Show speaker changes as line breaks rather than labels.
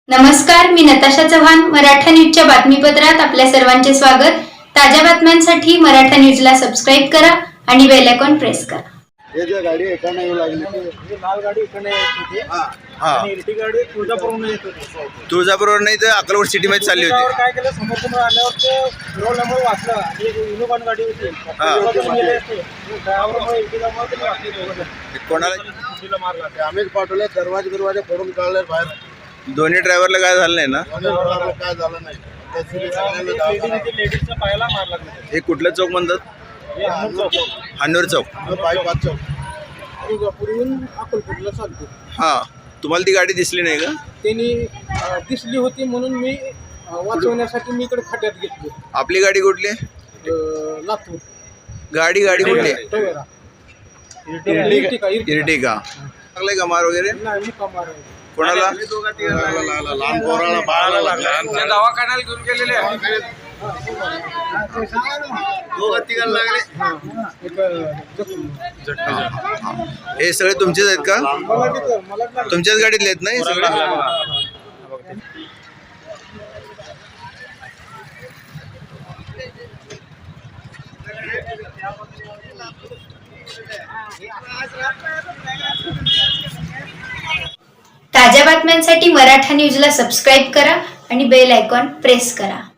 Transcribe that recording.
नमस्कार, मी नताशा चव्हाण. मराठा न्यूजच्या बातमीपत्रात आपल्या सर्वांचे स्वागत. ताज्या बातम्यांसाठी मराठा न्यूजला सबस्क्राईब करा आणि बेल आयकॉन प्रेस करा.
ये जो गाडी एकाने येऊ लागली
ही लाल गाडी इकडे येत होती आणि इरटी गाडी तुळजापूरहून येत होती.
तुळजापूरवर नाही तर अक्कलकोट सिटी मध्ये चालली
त्यावर
होती.
काय केलं, समोर आल्यावर ते फिरवल्यामुळे वाचलं आणि एक इनोव्हा गाडी होती ड्रायव्हरमुळे इरटिगामुळे ते वाचले दोघं.
कोणाला
तिला मारला.
आम्हीच पाठवले, दरवाजे फोडून काढले बाहेर.
दोन्ही ड्रायव्हरला काय झालं नाही ना?
काय झालं नाही.
लेडीजच्या पायाला मारला.
हे कुठलं चौक म्हणतात? हन्नूर चौक.
पाय 5 चौक.
तुळजापूरहून अक्कलकोटला चालतो.
हा, तुम्हाला ती गाडी दिसली नाही का?
त्यांनी दिसली होती म्हणून मी वाचवण्यासाठी मी इकडे खड्ड्यात घेतली.
आपली गाडी कुठली?
लातूर
गाडी कुठली?
टवेरा.
इर्टिगा. लागले का मार वगैरे?
नाही, मी कमार आहे.
कोणाला?
लहान पोराला बाळाला लागला.
दवाखान्याला घेऊन गेलेले
दोघं तिघांना लागले.
हे सगळे तुमचेच आहेत का? तुमच्याच गाडीतले आहेत नाही सगळे?
ताज्या बातम्यांसाठी मराठा न्यूजला सबस्क्राईब करा आणि बेल आयकॉन प्रेस करा.